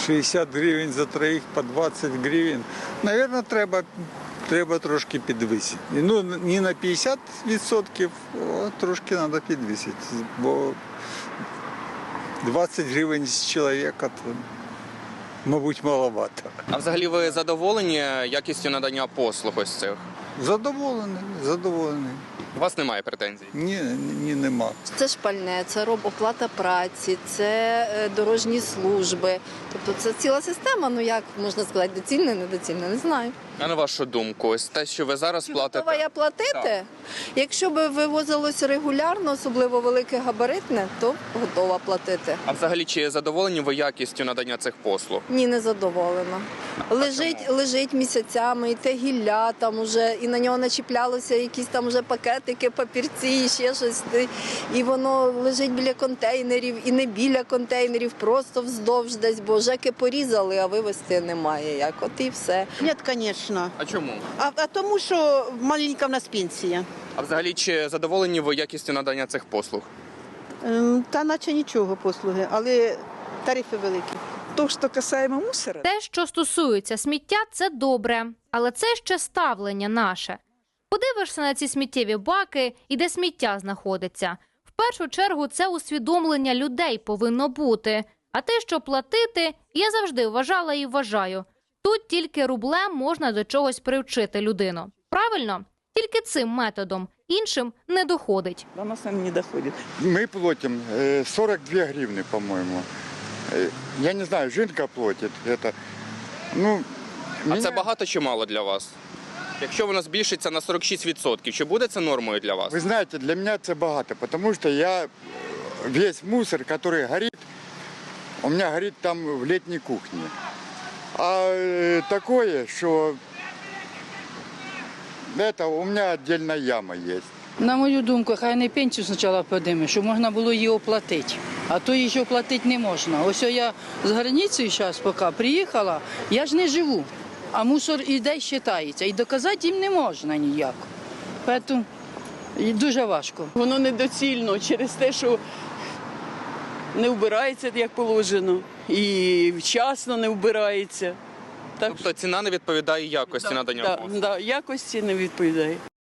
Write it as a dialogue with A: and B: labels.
A: 60 гривень за троїх по 20 гривень. Навірно, треба трошки підвисити. Ну, не на 50%, а трошки треба підвисити. Бо 20 гривень з чоловіка, то, мабуть, маловато.
B: А взагалі ви задоволені якістю надання послуг ось цих?
A: Задоволений.
B: У вас немає претензій?
A: Ні, нема.
C: Це шпальне, це оплата праці, це дорожні служби. Тобто це ціла система, ну як можна сказати, доцільне, недоцільне, не знаю.
B: А на вашу думку, ось те, що ви зараз платите?
C: Готова я платити?
B: Так.
C: Якщо б вивозилося регулярно, особливо велике габаритне, то готова платити.
B: А взагалі, чи задоволені ви якістю надання цих послуг?
C: Ні, не задоволена. Лежить місяцями, і те гілля там уже, і на нього начіплялося якісь там уже пакетики, папірці, і ще щось. І воно лежить біля контейнерів, і не біля контейнерів, просто вздовж десь, бо жеки порізали, а вивезти немає як. От і все.
D: Ні, звісно.
B: А чому?
D: А тому, що маленька в нас пенсія.
B: А взагалі, чи задоволені ви якістю надання цих послуг?
D: Та наче нічого послуги, але тарифи великі.
E: То, що касаємо мусора.
F: Те, що стосується сміття, це добре, але це ще ставлення наше. Подивишся на ці сміттєві баки і де сміття знаходиться. В першу чергу це усвідомлення людей повинно бути. А те, що платити, я завжди вважала і вважаю. Тут тільки рублем можна до чогось привчити людину. Правильно? Тільки цим методом. Іншим не доходить.
E: До нас не доходит.
G: Мы платим 42 гривны, по-моему. Я не знаю, жінка платить. Это, ну,
B: А це багато чи мало для вас? Якщо воно збільшиться на 46%, чи буде це нормою для вас?
G: Ви знаєте, для мене це багато, тому що я весь мусор, який горить, у мене горить там в літній кухні. А таке, що у мене окрема яма є.
H: На мою думку, хай не пенсію спочатку підійме, щоб можна було її оплатити. А то її ще оплатити не можна. Ось я з границі зараз поки приїхала, я ж не живу, а мусор іде і вважається. І доказати їм не можна ніяк. Тому дуже важко.
E: Воно недоцільно через те, що не вбирається, як положено, і вчасно не вбирається. Так,
B: Тобто ціна не відповідає якості надання послуг?
E: якості не відповідає.